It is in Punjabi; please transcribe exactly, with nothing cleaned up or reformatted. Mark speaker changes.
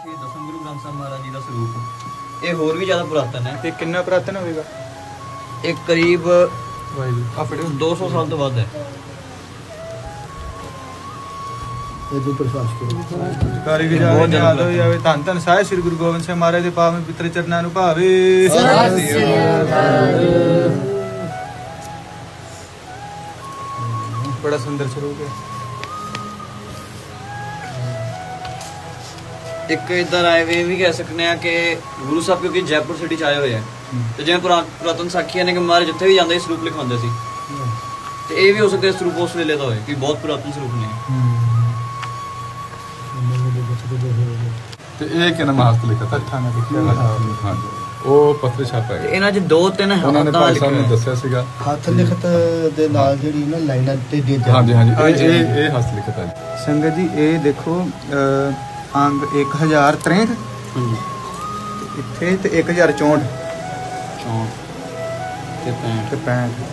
Speaker 1: ਸ਼੍ਰੀ ਦਸਮ ਗੁਰੂ ਗ੍ਰੰਥ ਸਾਹਿਬ ਮਹਾਰਾਜ ਜੀ ਦਾ ਸਰੂਪ ਇਹ ਹੋਰ ਵੀ ਜ਼ਿਆਦਾ ਪੁਰਾਤਨ ਹੈ।
Speaker 2: ਤੇ ਕਿੰਨਾ ਪੁਰਾਤਨ ਹੋਵੇਗਾ?
Speaker 1: ਇਹ ਕਰੀਬ
Speaker 2: ਵਾਹਿਗੁਰੂ ਆ ਫੜਿਓ।
Speaker 1: ਦੋ ਸੌ ਸਾਲ ਤੋਂ ਵੱਧ ਹੈ।
Speaker 3: ਇਹਦੇ ਪ੍ਰਸ਼ਾਸ ਕਰੋ
Speaker 2: ਕਾਰੀ ਜਾਵੇ ਯਾਦ ਹੋ ਜਾਵੇ। ਧੰਨ ਧੰਨ ਸਾਹਿਬ ਸ੍ਰੀ ਗੁਰੂ ਗੋਬਿੰਦ ਸਿੰਘ ਮਹਾਰਾਜ ਦੇ ਪਾਵਨ ਪਿੱਤਰ ਚਰਨਾਂ ਨੂੰ ਭਾਵੇ। ਬੜਾ ਸੁੰਦਰ ਸਰੂਪ ਹੈ।
Speaker 1: ਇੱਕ ਇਦਾਂ ਆਏ ਵੀ ਇਹ ਵੀ ਕਹਿ ਸਕਨੇ ਆ ਕਿ ਗੁਰੂ ਸਾਹਿਬ ਕਿਉਂਕਿ ਜੈਪੁਰ ਸਿਟੀ ਚ ਆਏ ਹੋਏ ਆ ਤੇ ਜਿਵੇਂ ਪੁਰਾ- ਪੁਰਾਤਨ ਸਾਖੀਆਂ ਨੇ ਕਿ ਮਹਾਰਾਜ ਜਿੱਥੇ ਵੀ ਜਾਂਦੇ ਸੀ ਸਰੂਪ ਲਿਖਵਾਉਂਦੇ ਸੀ ਤੇ ਇਹ ਵੀ ਹੋ ਸਕਦਾ ਸਰੂਪ ਉਸ ਵੇਲੇ ਦਾ ਹੋਏ ਕਿ ਬਹੁਤ ਪੁਰਾਤਨ ਸਰੂਪ ਨੇ।
Speaker 4: ਤੇ ਇਹ ਕਿਹਨਾਂ ਮਹਾਸਤ ਲਿਖਿਆ ਤਾ
Speaker 2: ਹੱਥਾਂ ਨਾਲ ਲਿਖਿਆ ਹੋਇਆ।
Speaker 4: ਹਾਂਜੀ ਉਹ ਪੱਤਰ ਛਾਪਾ
Speaker 1: ਤੇ
Speaker 4: ਹੈ।
Speaker 1: ਇਹਨਾਂ 'ਚ ਦੋ ਤਿੰਨ
Speaker 4: ਉਹਨਾਂ ਨੇ
Speaker 1: ਹੱਥਾਂ
Speaker 4: ਭਾਈ
Speaker 1: ਲਿਖੇ
Speaker 4: ਸਾਹਿਬ ਨੂੰ
Speaker 1: ਹੋਏ।
Speaker 4: ਦੱਸਿਆ ਸੀਗਾ।
Speaker 3: ਹੱਥ ਲਿਖਤ ਦੇ ਨਾਲ ਜਿਹੜੀ ਨਾ ਲਾਈਨਾਂ ਤੇ ਦੇ
Speaker 4: ਹਾਂਜੀ ਹਾਂਜੀ
Speaker 2: ਹਾਂਜੀ,
Speaker 4: ਇਹ ਇਹ ਇਹ ਹਸਤ ਲਿਖਤ ਹੈ।
Speaker 2: ਸੰਗਤ ਜੀ ਇਹ ਦੇਖੋ ਅਹ, ਅੰਗ ਇੱਕ ਹਜ਼ਾਰ ਤਰੇਂਹਠ
Speaker 1: ਹਾਂਜੀ
Speaker 2: ਤੇ ਇੱਥੇ ਤੇ ਇੱਕ ਹਜ਼ਾਰ ਚੌਂਹਠ
Speaker 1: ਚੌਂਕ ਤੇ ਪੈਂਹਠ
Speaker 2: ਤੇ ਪੈਂਹਠ